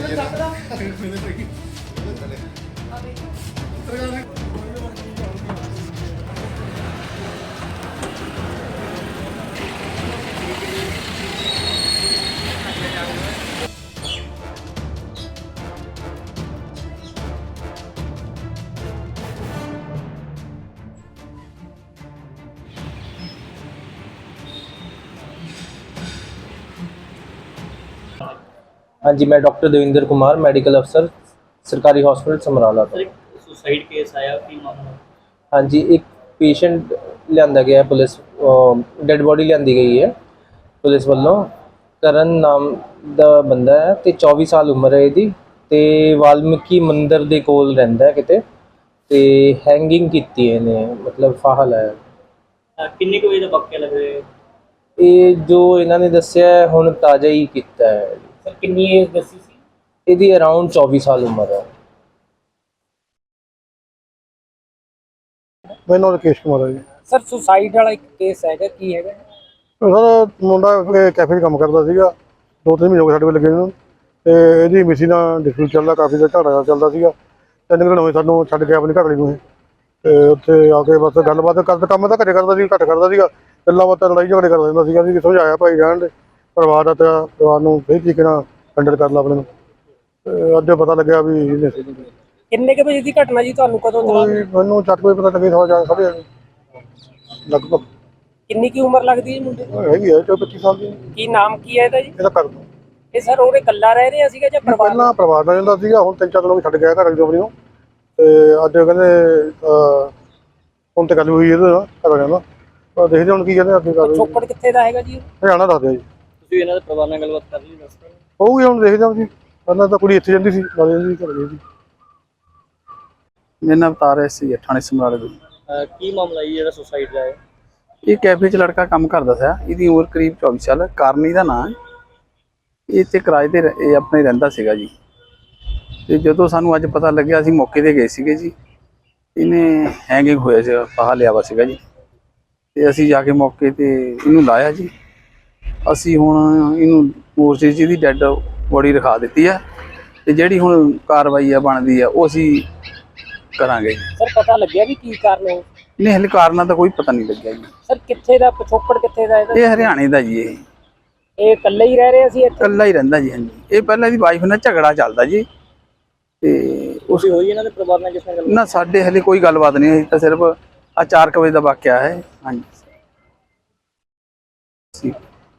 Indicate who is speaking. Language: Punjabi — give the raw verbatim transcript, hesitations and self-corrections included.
Speaker 1: हाँ जी, मैं डॉक्टर देविंदर कुमार, मेडिकल अफसर, सरकारी हॉस्पिटल समराला तो।
Speaker 2: सुसाइड केस आया की मामला?
Speaker 1: हाँ जी, एक पेशेंट लिया गया है, पुलिस डेड बॉडी लियादी गई है पुलिस वालों। करण नाम का बंदा है तो चौबीस साल उम्र है इसकी, ते वाल्मीकि मंदिर के कोल रहिंदा है किते, ते हैंगिंग की है इन्हें, मतलब फाहा लाया।
Speaker 2: किन्ने को बजे दा वाकया लग रहा है?
Speaker 1: ये जो इन्होंने दस्सिया है हुण ताज़ा ही किया है।
Speaker 2: सर कितनी एज दसी सी?
Speaker 1: ਇਹਦੀ ਅਰਾਊਂਡ चौबीस साल उम्र है।
Speaker 3: मेरा नाम राकेश कुमार है जी।
Speaker 2: सर सुसाइड वाला एक केस हैगा की हैगा?
Speaker 3: सर मुंडा कैफे 'ਚ ਕੰਮ ਕਰਦਾ ਸੀਗਾ, ਦੋ ਤਿੰਨ ਮਹੀਨੇ ਹੋ ਗਏ ਸਾਡੇ ਕੋਲ ਲੱਗੇ ਨੂੰ, ਤੇ ਇਹਦੀ ਮਿਸੀ ਨਾਲ ਡਿਸਪਿਊਟ ਚੱਲਦਾ, ਕਾਫੀ ਦਾ ਝਗੜਾ ਚੱਲਦਾ ਸੀਗਾ। ਤਿੰਨ ਕੁ ਦਿਨ ਹੋਏ ਸਾਨੂੰ ਛੱਡ ਕੇ ਆਪਣੀ ਘਰਵਾਲੀ ਨੂੰ ਇਹ, ਤੇ ਉੱਥੇ ਆ ਕੇ ਬਸ ਗੱਲਬਾਤ ਕਰਦਾ, ਕੰਮ ਤਾਂ ਘਰੇ ਕਰਦਾ ਸੀ, ਘੱਟ ਕਰਦਾ ਸੀਗਾ, ਗੱਲਾਂ ਬਾਤਾਂ ਲੜਾਈ ਝਗੜੇ ਕਰਦਾ ਰਹਿੰਦਾ ਸੀਗਾ। ਅਸੀਂ ਸਮਝਾਇਆ ਭਾਈ ਰਹਿਣ ਦੇ, ਪਰਿਵਾਰ ਦਾ ਤਾਂ ਪਰਿਵਾਰ ਨੂੰ ਸਹੀ ਤਰੀਕੇ ਨਾਲ ਹੈਂਡਲ ਕਰ ਲਾ ਆਪਣੇ ਨੂੰ। ਤੇ ਅੱਜ ਪਤਾ ਲੱਗਿਆ ਵੀ ਇਹਨੇ
Speaker 2: ਕਿੰਨੇ ਕੁ ਵਜੇ ਦੀ ਘਟਨਾ ਜੀ, ਤੁਹਾਨੂੰ ਕਦੋਂ
Speaker 3: ਕੋਈ ਮੈਨੂੰ ਚੱਕ ਕੋਈ ਪਤਾ ਲੱਗੇ, ਸਵਾ ਸਾਢੇ ਲਗਭਗ।
Speaker 2: ਕਿੰਨੀ ਕੀ ਉਮਰ ਲੱਗਦੀ ਹੈ ਮੁੰਡੇ ਦੀ?
Speaker 3: ਹੈਗੀ ਹੈ ਚੌਵੀ ਪੱਚੀ ਸਾਲ ਦੀ।
Speaker 2: ਕੀ ਨਾਮ ਕੀ ਹੈ ਇਹਦਾ ਜੀ?
Speaker 3: ਇਹਦਾ ਕਰ ਦੋ।
Speaker 2: ਇਹ ਸਰ ਉਹਦੇ ਇਕੱਲਾ ਰਹਿ ਰਿਹਾ ਸੀਗਾ ਜਾਂ ਪਰਿਵਾਰ?
Speaker 3: ਪਹਿਲਾਂ ਪਰਿਵਾਰ ਨਾਲ ਜਾਂਦਾ ਸੀਗਾ, ਹੁਣ ਤਿੰਨ ਚਾਰ ਦਿਨ ਹੋ ਗਏ ਛੱਡ ਗਿਆ ਘਰ ਵਾਲੀ ਆਪਣੀ ਨੂੰ, ਤੇ ਅੱਜ ਕਹਿੰਦੇ ਹੁਣ ਤੇ ਗੱਲ ਹੋਈ ਇਹਦੇ ਨਾਲ ਘਰ ਵਾਲਿਆਂ ਨਾਲ, ਪਰ ਦੇਖਦੇ ਹੁਣ ਕੀ ਕਹਿੰਦੇ ਅੱਗੇ ਕਰ।
Speaker 2: ਛੋਕੜ ਕਿੱਥੇ ਦਾ ਹੈਗਾ ਜੀ?
Speaker 3: ਹਰਿਆਣਾ ਦੱਸਦੇ ਆ ਜੀ।
Speaker 2: ਤੁਸੀਂ ਇਹਨਾਂ ਦੇ ਪਰਿਵਾਰ ਨਾਲ ਗੱਲਬਾਤ ਕਰ ਲਈ? ਦੱਸ ਦਿਓ।
Speaker 3: ਹੋਊਗੀ ਹੁਣ ਦੇਖਦੇ ਹਾਂ ਜੀ। ਪਹਿਲਾਂ ਤਾਂ ਕੁੜੀ ਇੱਥੇ ਜਾਂਦੀ ਸੀ, ਨਾਲ ਜਾਂਦੀ ਸੀ, ਘਰ ਗਈ ਸੀ।
Speaker 4: मेरा नाम अवतार है सी थाने समराले ਦਾ।
Speaker 2: ਕੀ ਮਾਮਲਾ ਜੀ ਜਿਹੜਾ ਸੁਸਾਈਡ ਦਾ ਹੈ?
Speaker 4: ਇਹ ਕੈਫੇ 'ਚ ਲੜਕਾ ਕੰਮ ਕਰਦਾ ਸੀ, ਇਹਦੀ ਉਮਰ ਕਰੀਬ ਚੌਵੀ ਸਾਲ, ਕਾਰਨੀ ਦਾ ਨਾਂ ਹੈ। ਇਹ ਤੇ ਕਿਰਾਏ ਤੇ ਇਹ ਆਪਣੇ ਰਹਿੰਦਾ ਸੀਗਾ ਜੀ। ਤੇ ਜਦੋਂ ਸਾਨੂੰ ਅੱਜ ਪਤਾ ਲੱਗਿਆ ਅਸੀਂ ਮੌਕੇ ਤੇ ਗਏ ਸੀਗੇ ਜੀ। ਇਹਨੇ ਹੈਂਗਿੰਗ ਹੋਇਆ ਸੀ, ਫਾਹਾ ਲਿਆ ਵਾ ਸੀਗਾ ਜੀ, ਤੇ ਅਸੀਂ ਜਾ ਕੇ ਮੌਕੇ ਤੇ ਇਹਨੂੰ ਲਾਇਆ ਜੀ। ਅਸੀਂ ਹੁਣ ਇਹਨੂੰ ਮੋਰਚੇ 'ਚ ਇਹਦੀ ਡੈੱਡ ਬੋਡੀ ਰਖਾ ਦਿੱਤੀ ਹੈ, ਤੇ ਜਿਹੜੀ ਹੁਣ ਕਾਰਵਾਈ ਆ ਬਣਦੀ ਆ ਉਹ ਅਸੀਂ ਕਰਾਂਗੇ।
Speaker 2: ਸਰ ਪਤਾ ਲੱਗਿਆ ਵੀ ਕੀ ਕਾਰਨ ਹੈ?
Speaker 4: ਨਹੀਂ ਹਲੇ ਕਾਰਨਾਂ ਦਾ ਕੋਈ ਪਤਾ ਨਹੀਂ ਲੱਗਿਆ ਜੀ।
Speaker 2: ਸਰ ਕਿੱਥੇ ਦਾ ਪਿਛੋਕੜ ਕਿੱਥੇ ਦਾ ਇਹਦਾ?
Speaker 4: ਇਹ ਹਰਿਆਣੇ ਦਾ ਜੀ। ਇਹ
Speaker 2: ਇਹ ਇਕੱਲੇ ਹੀ ਰਹਿ ਰਹੇ ਸੀ ਇੱਥੇ?
Speaker 4: ਇਕੱਲਾ ਹੀ ਰਹਿੰਦਾ ਜੀ। ਹਾਂਜੀ, ਇਹ ਪਹਿਲਾਂ ਇਹਦੀ ਵਾਈਫ ਨਾਲ ਝਗੜਾ ਚੱਲਦਾ ਜੀ, ਤੇ
Speaker 2: ਉਸ ਹੋਈ ਇਹਨਾਂ ਦੇ ਪਰਿਵਾਰ ਨਾਲ ਕਿਸੇ ਨਾਲ ਗੱਲ?
Speaker 4: ਨਾ ਸਾਡੇ ਹਲੇ ਕੋਈ ਗੱਲਬਾਤ ਨਹੀਂ ਹੋਈ, ਤਾਂ ਸਿਰਫ ਆ ਚਾਰ ਕੁ ਵਜੇ ਦਾ ਵਾਕਿਆ ਹੈ। ਹਾਂਜੀ।